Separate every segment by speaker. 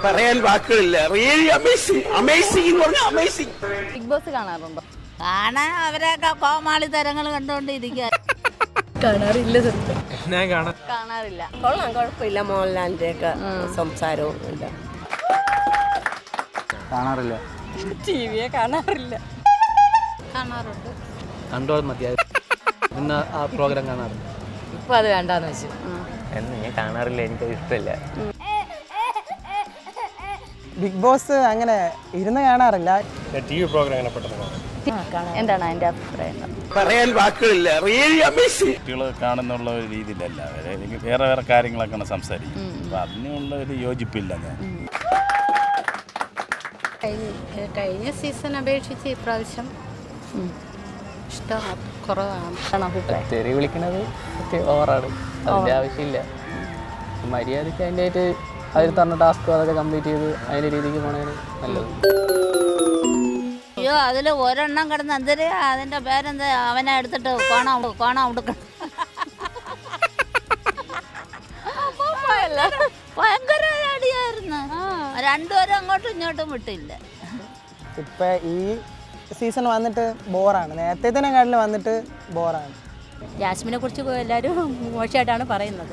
Speaker 1: പറയാൻ വാക്കുകളില്ല. Really amazing, amazing എന്ന് പറഞ്ഞാൽ അമേസിംഗ്.
Speaker 2: ബിഗ് ബോസ് കാണാറുണ്ടോ?
Speaker 3: കാണാൻ അവരൊക്കെ കോമാളി തരങ്ങൾ കണ്ടുകൊണ്ടിരിക്കുക.
Speaker 2: കാണാറില്ല.
Speaker 4: ഞാൻ
Speaker 2: കാണാറില്ല.
Speaker 5: കൊള്ളാം, കുഴപ്പമില്ല. മോഹൻലാലിന്റെ ഒക്കെ സംസാരവും ഇല്ല.
Speaker 4: കാണാറില്ല.
Speaker 2: ടിവിയെ കാണാറില്ല.
Speaker 3: കാണാറുണ്ട്.
Speaker 4: കണ്ടോ മതിയായി. ഇന്ന് ആ പ്രോഗ്രാം കാണാറില്ല.
Speaker 2: ഇപ്പൊ അത് വേണ്ടാന്ന് വെച്ചു.
Speaker 6: ഞാൻ കാണാറില്ല, എനിക്കത് ഇഷ്ടമില്ല.
Speaker 7: ബിഗ് ബോസ് അങ്ങനെ ഇരുന്ന് കാണാറില്ല.
Speaker 4: ടി വി പ്രോഗ്രാം അങ്ങനെ പെട്ടെന്ന്
Speaker 2: എന്താണ് അതിന്റെ അഭിപ്രായം?
Speaker 1: പറയാൻ വാക്കുകളില്ല. Really amazing.
Speaker 8: കുട്ടികൾ കാണുന്നുള്ള ഒരു രീതിയിലല്ല അവരെ, എനിക്ക് വേറെ വേറെ കാര്യങ്ങളൊക്കെയാണ് സംസാരിക്കും. അപ്പം അതിനുള്ള ഒരു യോജിപ്പില്ല. ഞാൻ
Speaker 3: കഴിഞ്ഞ സീസൺ അപേക്ഷിച്ച് ഇപ്രാവശ്യം ഇഷ്ടം കുറവാണ്.
Speaker 6: തെറി വിളിക്കണത് ഓവറാണ്, അതിൻ്റെ ആവശ്യമില്ല. മര്യാദയ്ക്ക് അതിൻ്റെ ആയിട്ട് അതിൽ തന്ന ടാസ്ക് അതൊക്കെ കംപ്ലീറ്റ് ചെയ്ത് അതിൻ്റെ രീതിക്ക് പോണേന് നല്ലത്.
Speaker 3: അയ്യോ, അതിൽ ഒരെണ്ണം കിടന്ന് എന്തൊരു അതിന്റെ പേരെന്താ, അവനെ എടുത്തിട്ട് കോണ ഉടുക്കണം. ഭയങ്കര അടിയായിരുന്നു. രണ്ടുപേരും അങ്ങോട്ടും ഇങ്ങോട്ടും വിട്ടില്ല.
Speaker 7: ഇപ്പം ഈ സീസൺ വന്നിട്ട് ബോറാണ്. നേരത്തേക്കാട്ടിൽ വന്നിട്ട് ബോറാണ്.
Speaker 2: ജാസ്മിനെ കുറിച്ച് എല്ലാവരും മോശമായിട്ടാണ് പറയുന്നത്.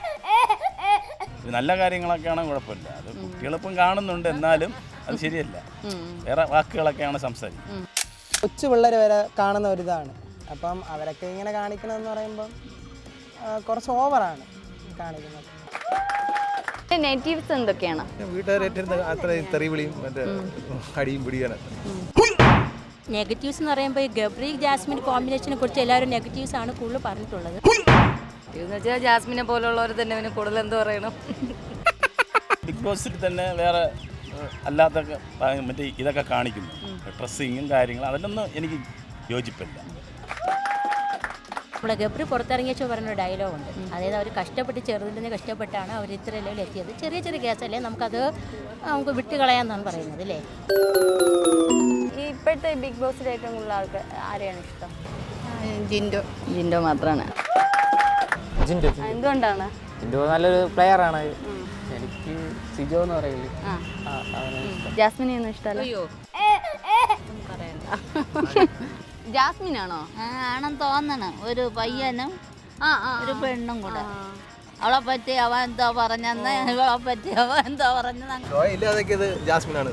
Speaker 8: നല്ല കാര്യങ്ങളൊക്കെയാണ് കുഴപ്പമില്ല. അത് കുട്ടികളിപ്പം കാണുന്നുണ്ട്, എന്നാലും അത് ശരിയല്ല. വേറെ വാക്കുകളൊക്കെയാണ് സംസാരിക്കുന്നത്.
Speaker 7: കൊച്ചു പിള്ളേർ വരെ കാണുന്ന ഒരിതാണ്. അപ്പം അവരൊക്കെ ഇങ്ങനെ കാണിക്കണമെന്ന് പറയുമ്പം കുറച്ച് ഓവറാണ് കാണിക്കുന്നത്.
Speaker 2: നെഗറ്റീവ്സ് എന്തൊക്കെയാണ്?
Speaker 4: വീട്ടുകാരേറ്റിരുന്ന് അത്രയും തെറിവിളിയും മറ്റേ അടിയും പിടിയാണ്.
Speaker 2: നെഗറ്റീവ്സ് എന്ന് പറയുമ്പോൾ ഈ ഗബ്രി ജാസ്മിൻ കോമ്പിനേഷനെ കുറിച്ച് എല്ലാവരും നെഗറ്റീവ്സ് ആണ് കൂടുതൽ പറഞ്ഞിട്ടുള്ളത്. എന്ന് വെച്ചാൽ ജാസ്മിനെ പോലുള്ളവർ തന്നെ പിന്നെ കൂടുതൽ എന്ത് പറയണം.
Speaker 8: ബിഗ് ബോസിൽ തന്നെ വേറെ അല്ലാത്ത മറ്റേ ഇതൊക്കെ കാണിക്കുന്നു, ഡ്രസ്സിങ്ങും കാര്യങ്ങളും, അതിലൊന്നും എനിക്ക് യോജിപ്പില്ല.
Speaker 2: നമ്മുടെ ഗബ്രി പുറത്തിറങ്ങിയ പറഞ്ഞൊരു ഡയലോഗുണ്ട്. അതായത് അവർ കഷ്ടപ്പെട്ട് ചെറുതിൽ നിന്ന് കഷ്ടപ്പെട്ടാണ് അവർ ഇത്ര ലെവലിൽ എത്തിയത്. ചെറിയ ചെറിയ കേസല്ലേ, നമുക്ക് വിട്ടുകളയാന്നാണ് പറയുന്നത് അല്ലേ. ഈ ഇപ്പോഴത്തെ ബിഗ് ബോസിൽ ഏറ്റവും കൂടുതൽ ആൾക്ക് ആരെയാണ് ഇഷ്ടം? ജിൻഡോ മാത്രമാണ്. എന്തുകൊണ്ടാണ്?
Speaker 6: ജിൻഡോ നല്ലൊരു പ്ലെയറാണ്. എനിക്ക് സിജോ എന്ന് പറയില്ലേ,
Speaker 2: ജാസ്മിനെ ഒന്നും ഇഷ്ടമല്ല. ജാസ്മിനാണോ?
Speaker 3: ആണെന്ന് തോന്നണം. ഒരു പയ്യനും ഒരു പെണ്ണും കൂടെ. അവളെ പറ്റി അവൻ എന്തോ പറഞ്ഞെന്ന്, ഇവളെ പറ്റി അവൻ എന്തോ പറഞ്ഞത്.
Speaker 4: ജാസ്മിനാണ്.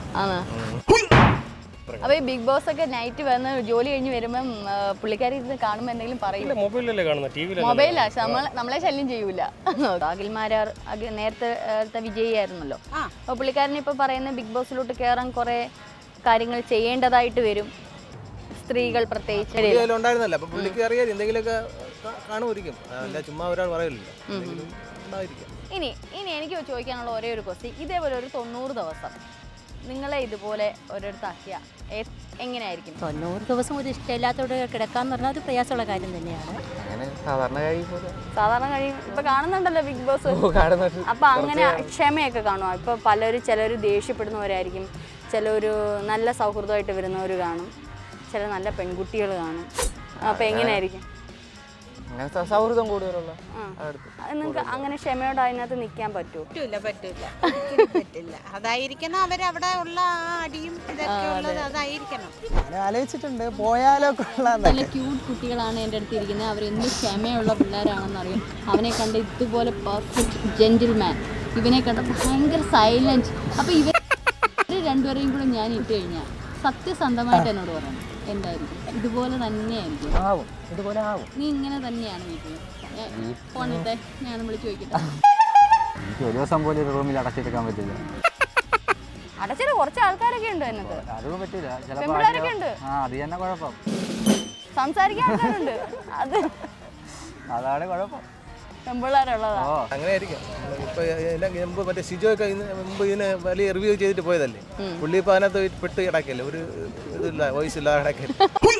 Speaker 2: അപ്പൊ ഈ ബിഗ് ബോസ് ഒക്കെ നൈറ്റ് വന്ന് ജോലി കഴിഞ്ഞ് വരുമ്പം പുള്ളിക്കാരി ഇരുന്ന് കാണുമ്പോൾ എന്തെങ്കിലും പറയും?
Speaker 4: മൊബൈലല്ലേ കാണുന്നത്,
Speaker 2: മൊബൈലാ. നമ്മളെ ശല്യം ചെയ്യൂല. അഖിൽമാരാർ നേരത്തെ വിജയിയായിരുന്നല്ലോ. അപ്പൊ പുള്ളിക്കാരൻ ഇപ്പൊ പറയുന്ന ബിഗ് ബോസിലോട്ട് കയറാൻ കുറെ കാര്യങ്ങൾ ചെയ്യേണ്ടതായിട്ട് വരും, സ്ത്രീകൾ പ്രത്യേകിച്ച്.
Speaker 4: ഉണ്ടായിരുന്നല്ലോ, അപ്പൊ പുള്ളിക്ക് അറിയാം എന്തെങ്കിലുമൊക്കെ കാണുമായിരിക്കും. അല്ല ചുമ്മാ ഒരാൾ പറയില്ലല്ലോ.
Speaker 2: ഇനി എനിക്ക് ചോദിക്കാനുള്ള ഒരേ ഒരു ക്വസ്റ്റ്യൻ, ഇതേപോലെ ഒരു 90 ദിവസം നിങ്ങളെ ഇതുപോലെ ഓരോരുത്താക്കിയ എങ്ങനെയായിരിക്കും? 90 ദിവസം ഒരു ഇഷ്ടമില്ലാത്തോടെ കിടക്കാന്ന് പറഞ്ഞാൽ അത് പ്രയാസമുള്ള കാര്യം തന്നെയാണ്. സാധാരണ കഴിയും. ഇപ്പൊ കാണുന്നുണ്ടല്ലോ ബിഗ് ബോസ്. അപ്പൊ അങ്ങനെ ക്ഷമയൊക്കെ കാണുമോ? ഇപ്പൊ ചിലർ ദേഷ്യപ്പെടുന്നവരായിരിക്കും, ചിലർ നല്ല സൗഹൃദമായിട്ട് വരുന്നവർ കാണും, ചില നല്ല പെൺകുട്ടികൾ കാണും. അപ്പൊ എങ്ങനെയായിരിക്കും
Speaker 6: സൗഹൃദം കൂടുതലുള്ള?
Speaker 2: നിങ്ങൾക്ക് അങ്ങനെ ക്ഷമയോടെ അതിനകത്ത് നിൽക്കാൻ പറ്റുമോ?
Speaker 3: പറ്റില്ല. അതായിരിക്കണം അവരവിടെ ഉള്ള അടിയും ഇതൊക്കെ ഉള്ളത്, അതായിരിക്കണം.
Speaker 7: ഞാൻ ആലോചിച്ചിട്ടുണ്ട്, പോയാലോ കൊള്ളാം.
Speaker 2: നല്ല ക്യൂട്ട് കുട്ടികളാണ് എൻ്റെ അടുത്ത് ഇരിക്കുന്നത്. അവരെന്ത് ക്ഷമയുള്ള പിള്ളേരാണെന്നറിയാം. അവനെ കണ്ട് ഇതുപോലെ പെർഫെക്റ്റ് ജെന്റിൽമാൻ, ഇവനെ കണ്ട് ഭയങ്കര സൈലൻറ്റ്. അപ്പോൾ ഇവർ രണ്ടുപേരെയും കൂടെ ഞാൻ ഇട്ട് കഴിഞ്ഞാൽ സത്യസന്ധമായിട്ട് എന്നോട് പറയണം, എന്തായിരിക്കും? ഇതുപോലെ തന്നെയായിരിക്കും.
Speaker 6: ഇതുപോലെ ആവും.
Speaker 2: നീ ഇങ്ങനെ തന്നെയാണ് വീട്ടിൽ? ഫോണിട്ടെ, ഞാൻ വിളിച്ച് ചോദിക്കട്ടെ.
Speaker 6: എനിക്ക് ഒരു ദിവസം പോലും ഒരു റൂമിൽ അടച്ചിരിക്കാൻ പറ്റില്ല.
Speaker 2: അടച്ചിട്ട് കുറച്ച് ആൾക്കാരൊക്കെ ഉണ്ട് എന്നൊക്കെ.
Speaker 6: അതും പറ്റില്ല.
Speaker 2: പെൺപിള്ളേരൊക്കെ ഉണ്ട്.
Speaker 6: അത് തന്നെ കുഴപ്പം.
Speaker 2: സംസാരിക്കാൻ ആൾക്കാരുണ്ട്,
Speaker 6: അതാണ് കുഴപ്പം.
Speaker 2: പെൺപിള്ളേരുള്ളതാ.
Speaker 4: അങ്ങനെയായിരിക്കും. ഇപ്പൊ മറ്റേ സിജോ ഒക്കെ മുമ്പ് ഇതിന് വലിയ റിവ്യൂ ചെയ്തിട്ട് പോയതല്ലേ. പുള്ളി ഇപ്പൊ അതിനകത്ത് പെട്ട് കിടക്കല്ലേ, ഒരു ഇതില്ല, വോയിസ് ഇല്ലാതെ കിടക്കല്ലേ.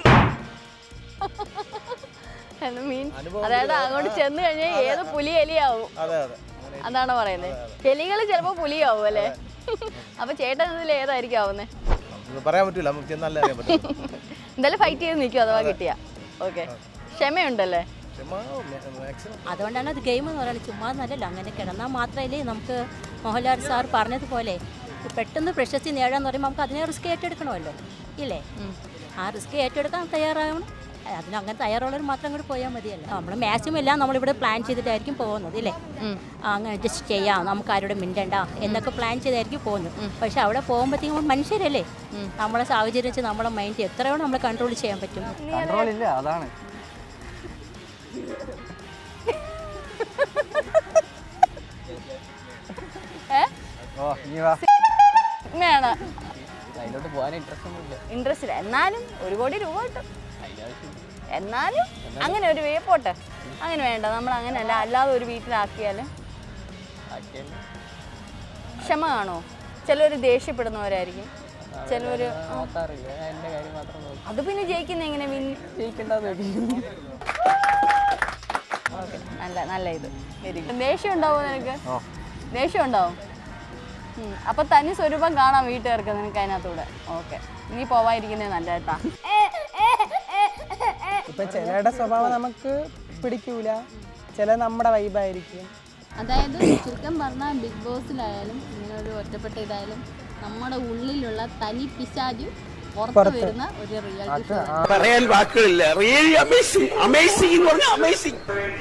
Speaker 2: അതായത് അങ്ങോട്ട് ചെന്ന് കഴിഞ്ഞാൽ ഏത് പുലി എലിയാവും. അതാണ് പറയുന്നത്. എലികൾ ചിലപ്പോ പുലിയാവും അല്ലേ? അപ്പൊ ചേട്ടൻ ഇതിൽ ഏതായിരിക്കും ആവുന്നേ?
Speaker 4: പറയാൻ പറ്റൂല, നമുക്ക് ചെന്നല്ലേ അറിയാൻ പറ്റും.
Speaker 2: എന്തായാലും ഫൈറ്റ് ചെയ്ത് നിൽക്കും അഥവാ കിട്ടിയ. ഓക്കെ, ക്ഷമയുണ്ടല്ലേ?
Speaker 4: മാക്സിമം
Speaker 9: അതുകൊണ്ടാണ് അത് ഗെയിം എന്ന് പറയുന്നത്. ചുമ്മാ നല്ലല്ലോ, അങ്ങനെ കിടന്നാൽ മാത്രമല്ലേ നമുക്ക് മോഹൻലാൽ സാർ പറഞ്ഞതുപോലെ പെട്ടെന്ന് പ്രശസ്തി നേടാന്ന് പറയുമ്പോൾ നമുക്ക് അതിനെ റിസ്ക് ഏറ്റെടുക്കണമല്ലോ, ഇല്ലേ? ആ റിസ്ക് ഏറ്റെടുക്കാൻ തയ്യാറാവണം. അതിനങ്ങനെ തയ്യാറുള്ളവർ മാത്രം കൂടി പോയാൽ മതിയല്ലോ. നമ്മൾ മാക്സിമം എല്ലാം നമ്മളിവിടെ പ്ലാൻ ചെയ്തിട്ടായിരിക്കും പോകുന്നത്, ഇല്ലേ? അങ്ങനെ അഡ്ജസ്റ്റ് ചെയ്യാം, നമുക്ക് ആരോടും മിണ്ടണ്ട എന്നൊക്കെ പ്ലാൻ ചെയ്തായിരിക്കും പോകുന്നത്. പക്ഷെ അവിടെ പോകുമ്പോഴത്തേക്കും മനുഷ്യരല്ലേ, നമ്മളെ സാഹചര്യം വെച്ച് നമ്മളെ മൈൻഡ് എത്രയോളം നമ്മൾ കൺട്രോൾ ചെയ്യാൻ പറ്റും.
Speaker 6: കൺട്രോൾ ഇല്ല, അതാണ്.
Speaker 2: വേണം
Speaker 6: അതിലോട്ട് പോകാൻ ഇൻട്രസ്റ്റ് ഒന്നുമില്ല.
Speaker 2: ഇൻട്രസ്റ്റ് ഇല്ല. എന്നാലും 1 കോടി രൂപ കിട്ടും. എന്നാലും അങ്ങനെ ഒരു പോട്ടെ, അങ്ങനെ വേണ്ട. നമ്മൾ അങ്ങനെയല്ല, അല്ലാതെ ഒരു വീട്ടിലാക്കിയാൽ ക്ഷമ കാണോ? ചിലർ ദേഷ്യപ്പെടുന്നവരായിരിക്കും, ചിലവർ
Speaker 6: നോക്കാറില്ല. എൻ്റെ കാര്യം മാത്രം നോക്കി.
Speaker 2: അത് പിന്നെ ജയിക്കുന്ന എങ്ങനെ
Speaker 6: ജയിക്കേണ്ടത്
Speaker 2: ഓക്കെ, നല്ല ഇത്. Very good. ദേഷ്യം ഉണ്ടാവും നിനക്ക്? ദേഷ്യം ഉണ്ടാവും. അപ്പൊ തനി സ്വരൂപം കാണാം വീട്ടുകാർക്ക് നിനക്ക് അതിനകത്തൂടെ. ഓക്കെ, നീ പോവാതിരിക്കുന്നേ നല്ല കേട്ടാ.
Speaker 7: ഇപ്പം ചിലരുടെ സ്വഭാവം നമുക്ക് പിടിക്കൂല, ചില നമ്മുടെ വൈബായിരിക്കും.
Speaker 2: അതായത് ചുരുക്കം പറഞ്ഞാൽ ബിഗ് ബോസിലായാലും ഇങ്ങനെ ഒരു ഒറ്റപ്പെട്ട ഇതായാലും നമ്മുടെ ഉള്ളിലുള്ള തനി പിശാചു പുറത്ത് വരുന്ന ഒരു റിയാലിറ്റി ഷോ.
Speaker 1: പറയാൻ വാക്കുകളില്ല. Really amazing. അമേസിംഗ് എന്ന് പറഞ്ഞാൽ അമേസിംഗ്.